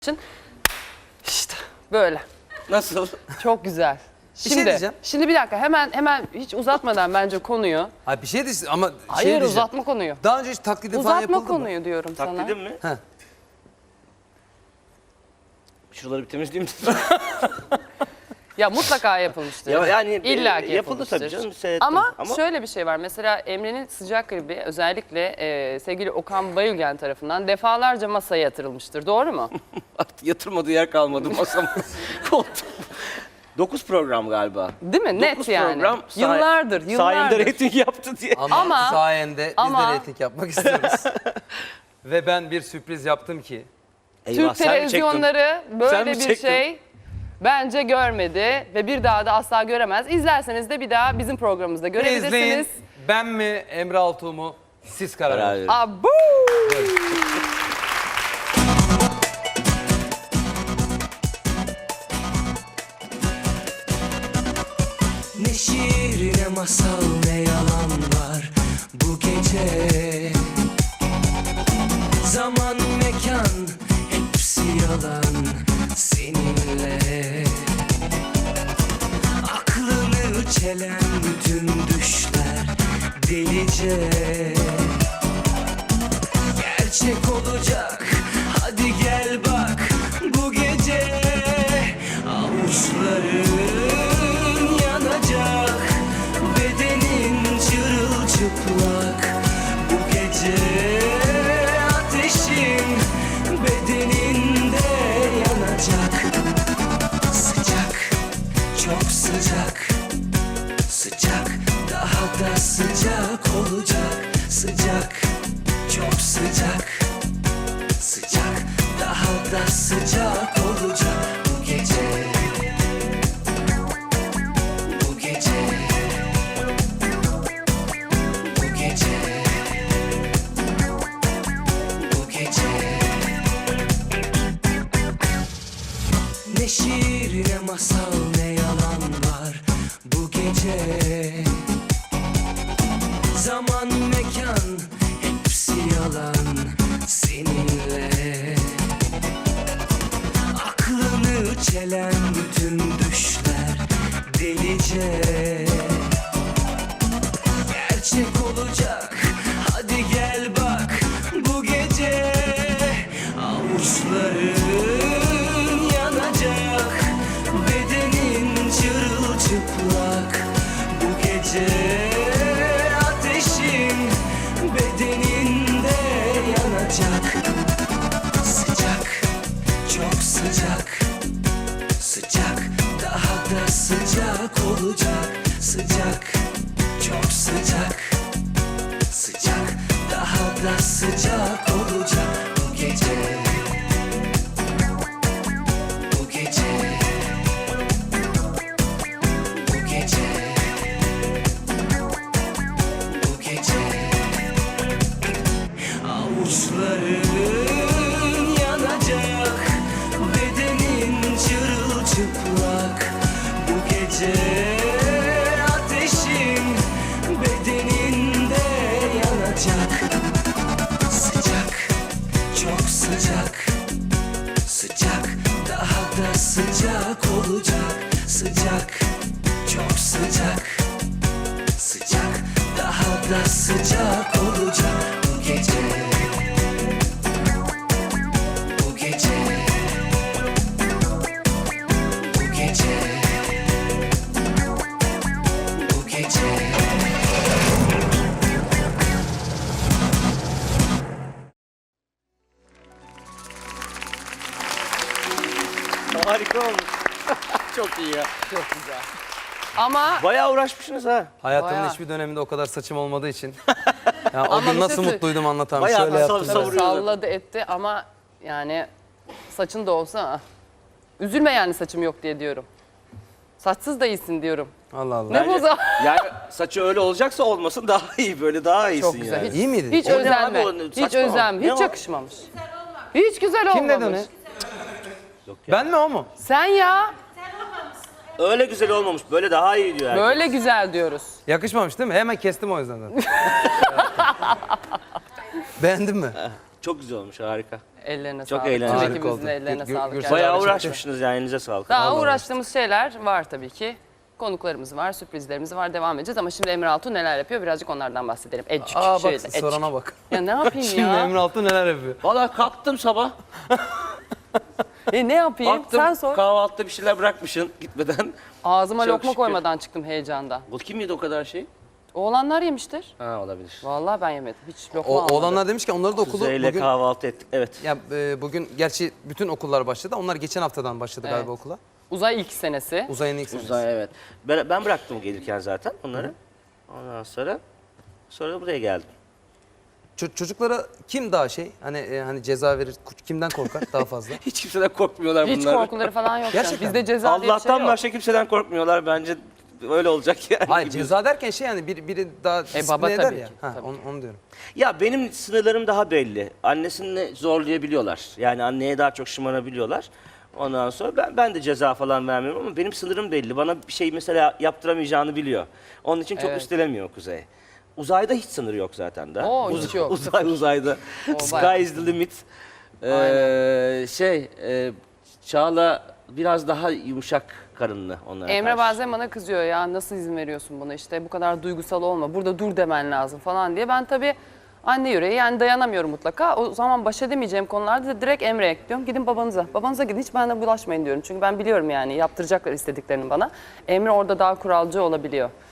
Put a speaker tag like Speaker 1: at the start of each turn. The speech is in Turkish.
Speaker 1: için işte böyle.
Speaker 2: Nasıl?
Speaker 1: Çok güzel.
Speaker 3: şey diyeceğim.
Speaker 1: Şimdi bir dakika hemen hiç uzatmadan bence konuyu.
Speaker 3: Hayır bir şey diyeceğim ama
Speaker 1: Hayır
Speaker 3: şey diyeceğim.
Speaker 1: uzatma konuyu.
Speaker 3: Daha önce hiç taklidi falan
Speaker 1: Uzatma
Speaker 3: yapıldı
Speaker 1: konuyu
Speaker 3: mı?
Speaker 1: diyorum sana.
Speaker 2: Taklidim mi?
Speaker 3: Heh.
Speaker 2: Şuraları bir temizleyeyim.
Speaker 1: Ya mutlaka yapılmıştır.
Speaker 2: yani
Speaker 1: İlla ki
Speaker 2: yapıldı
Speaker 1: yapılmıştır.
Speaker 2: tabii canım. Seyrettim.
Speaker 1: Ama şöyle bir şey var. Mesela Emre'nin Sıcak klibi özellikle sevgili Okan Bayülgen tarafından defalarca masaya yatırılmıştır. Doğru mu?
Speaker 2: Artık yatırmadığı yer kalmadı masam. Koltuğum. 9 program galiba.
Speaker 1: Değil mi? Net
Speaker 2: 9
Speaker 1: yani.
Speaker 2: program
Speaker 1: Yıllardır.
Speaker 2: sayemde reyting yaptı diye.
Speaker 1: Ama-
Speaker 3: sayende biz
Speaker 1: ama-
Speaker 3: de reyting yapmak istiyoruz. Ve ben bir sürpriz yaptım ki.
Speaker 2: Eyvah,
Speaker 1: Türk
Speaker 2: sen mi
Speaker 1: televizyonları
Speaker 2: Sen
Speaker 1: böyle
Speaker 2: mi
Speaker 1: bir
Speaker 2: çektin?
Speaker 1: şey bence görmedi ve bir daha da asla göremez. İzlerseniz de bir daha bizim programımızda
Speaker 3: İzleyin.
Speaker 1: görebilirsiniz.
Speaker 3: Ben mi Emre Altuğ mu? Siz karar
Speaker 2: Karar
Speaker 3: verin.
Speaker 2: verin.
Speaker 1: Abu!
Speaker 4: Ne şiir ne masal ne yalan var bu gece. Zaman mekan hepsi yalan seninle. Aklını çelen bütün düşler delice. Gerçek olacak hadi gel bak bu gece. Avuçların yanacak, bedenin çırılçıplak. Bu gece ateşin bedeninde yanacak. Sıcak, çok sıcak. Sıcak, daha da sıcak olacak. Sıcak, çok sıcak. Sıcak, daha da sıcak olacak bu gece. Bu gece. Bu gece. Bu gece. Ne şiir ne masal ne yalan var bu gece. Zaman mekan hepsi yalan seninle. Aklını çelen bütün düşler delice. Gerçek olacak hadi gel bak bu gece. Avuçların yanacak, bedenin çırılçıplak. Bu gece ateşin bedeninde yanacak. Sıcak, çok sıcak. Sıcak, daha da sıcak olacak. Sıcak, çok sıcak. Sıcak, daha da sıcak olacak bu gece. Bu gece. Bu gece. Bu gece. Avuçların yanacak, bedenin çırılçıplak. Bu gece ateşin bedeninde yanacak. Sıcak, çok sıcak. Sıcak, daha da sıcak olacak. Sıcak, çok sıcak. Sıcak, daha da sıcak olacak bu gece. Bu gece. Bu gece. Bu gece.
Speaker 2: Harika olmuş. Çok iyi ya.
Speaker 1: Çok güzel. Ama
Speaker 2: Bayağı uğraşmışsınız ha.
Speaker 3: Hayatımın
Speaker 1: Bayağı.
Speaker 3: hiçbir döneminde o kadar saçım olmadığı için. Yani o
Speaker 1: Ama
Speaker 3: gün
Speaker 1: bir
Speaker 3: nasıl
Speaker 1: şey
Speaker 3: mutluydum anlatamam.
Speaker 2: Bayağı
Speaker 3: Şöyle
Speaker 2: nasıl
Speaker 3: yaptım.
Speaker 2: savuruyor.
Speaker 1: salladı etti ama yani saçın da olsa üzülme yani saçım yok diye diyorum. Saçsız da iyisin diyorum.
Speaker 3: Allah Allah.
Speaker 1: Ne bu zaman?
Speaker 2: Yani saçı öyle olacaksa olmasın daha iyi. Böyle daha iyisin
Speaker 1: Çok güzel.
Speaker 2: yani.
Speaker 1: Hiç,
Speaker 3: İyi miydi?
Speaker 1: Hiç
Speaker 2: O ne
Speaker 1: özenme.
Speaker 2: abi o?
Speaker 1: Hiç
Speaker 2: Saçma o.
Speaker 1: özenme.
Speaker 2: Ne
Speaker 1: Hiç
Speaker 2: o?
Speaker 1: yakışmamış. Hiç güzel olmamış.
Speaker 3: Kim dedi onu? Ben mi o mu?
Speaker 1: Sen ya.
Speaker 2: Öyle güzel olmamış. Böyle daha iyi diyor herkes.
Speaker 1: Böyle güzel diyoruz.
Speaker 3: Yakışmamış değil mi? Hemen kestim o yüzden zaten. Beğendin mi?
Speaker 2: Çok güzel olmuş, harika.
Speaker 1: Ellerine
Speaker 2: Çok
Speaker 1: sağlık.
Speaker 2: eğlenceli.
Speaker 1: Tüm
Speaker 3: Harika
Speaker 1: ekibimizin
Speaker 3: oldu.
Speaker 1: ellerine sağlık.
Speaker 3: Gürsel
Speaker 2: Bayağı
Speaker 3: abi çıktı.
Speaker 2: uğraşmışsınız yani, elinize sağlık.
Speaker 1: Daha
Speaker 3: Vallahi
Speaker 1: uğraştığımız şeyler var tabii ki. Konuklarımız var, sürprizlerimiz var, devam edeceğiz. Ama şimdi Emre Altuğ neler yapıyor? Birazcık onlardan bahsedelim. Ecik,
Speaker 3: Aa
Speaker 1: şöyle,
Speaker 3: bak
Speaker 1: ecik.
Speaker 3: sorana bak.
Speaker 1: Ya ne yapayım
Speaker 3: Şimdi
Speaker 1: ya?
Speaker 3: Emre Altuğ neler yapıyor?
Speaker 2: Valla kalktım sabah.
Speaker 1: Ne yapayım?
Speaker 2: Baktım
Speaker 1: Sen sor.
Speaker 2: kahvaltıda bir şeyler bırakmışsın gitmeden.
Speaker 1: Ağzıma
Speaker 2: Çok
Speaker 1: lokma
Speaker 2: şükür.
Speaker 1: koymadan çıktım heyecandan.
Speaker 2: Bu kim yedi o kadar şey?
Speaker 1: Oğlanlar yemiştir.
Speaker 2: Ha, olabilir.
Speaker 1: Vallahi ben yemedim. Hiç lokma almadım.
Speaker 3: Oğlanlar demiş ki onları da okulu
Speaker 2: Kuzeyle
Speaker 3: bugün...
Speaker 2: kahvaltı ettik. Evet.
Speaker 3: Ya bugün gerçi bütün okullar başladı. Onlar geçen haftadan başladı
Speaker 1: Evet.
Speaker 3: galiba okula.
Speaker 1: Uzay ilk senesi.
Speaker 3: Uzayın ilk senesi.
Speaker 2: Uzay, evet. Ben bıraktım gelirken zaten onları. Ondan sonra da buraya geldim.
Speaker 3: Çocuklara kim daha şey? Hani ceza verir, kimden korkar daha fazla?
Speaker 2: Hiç kimseden korkmuyorlar
Speaker 1: Hiç
Speaker 2: bunlar.
Speaker 1: korkuları falan yok.
Speaker 3: Gerçekten
Speaker 1: Bizde
Speaker 3: mi?
Speaker 1: ceza diye bir şey
Speaker 2: Allah'tan
Speaker 1: yok.
Speaker 2: başka kimseden korkmuyorlar, bence öyle olacak yani.
Speaker 3: Hayır ceza derken şey yani biri daha disipline
Speaker 1: baba
Speaker 3: eder
Speaker 1: tabii
Speaker 3: ya.
Speaker 1: ki,
Speaker 3: Ha,
Speaker 1: tabii
Speaker 3: onu diyorum.
Speaker 2: Ya benim sınırlarım daha belli. Annesini zorlayabiliyorlar. Yani anneye daha çok şımarabiliyorlar. Ondan sonra ben de ceza falan vermiyorum ama benim sınırım belli. Bana bir şey mesela yaptıramayacağını biliyor. Onun için çok
Speaker 1: Evet.
Speaker 2: üstelemiyor Kuzey. Uzayda hiç sınır yok zaten de.
Speaker 1: Oo, hiç yok.
Speaker 2: Uzayda.
Speaker 1: O
Speaker 2: Sky
Speaker 1: bayağı.
Speaker 2: is the limit. Çağla biraz daha yumuşak karınlı onlara
Speaker 1: Emre
Speaker 2: karşı.
Speaker 1: bazen bana kızıyor ya nasıl izin veriyorsun buna işte bu kadar duygusal olma burada dur demen lazım falan diye. Ben tabii anne yüreği yani dayanamıyorum mutlaka. O zaman baş edemeyeceğim konularda da direkt Emre'ye diyorum gidin babanıza. Babanıza gidin hiç bana bulaşmayın diyorum. Çünkü ben biliyorum yani yaptıracaklar istediklerini bana. Emre orada daha kuralcı olabiliyor.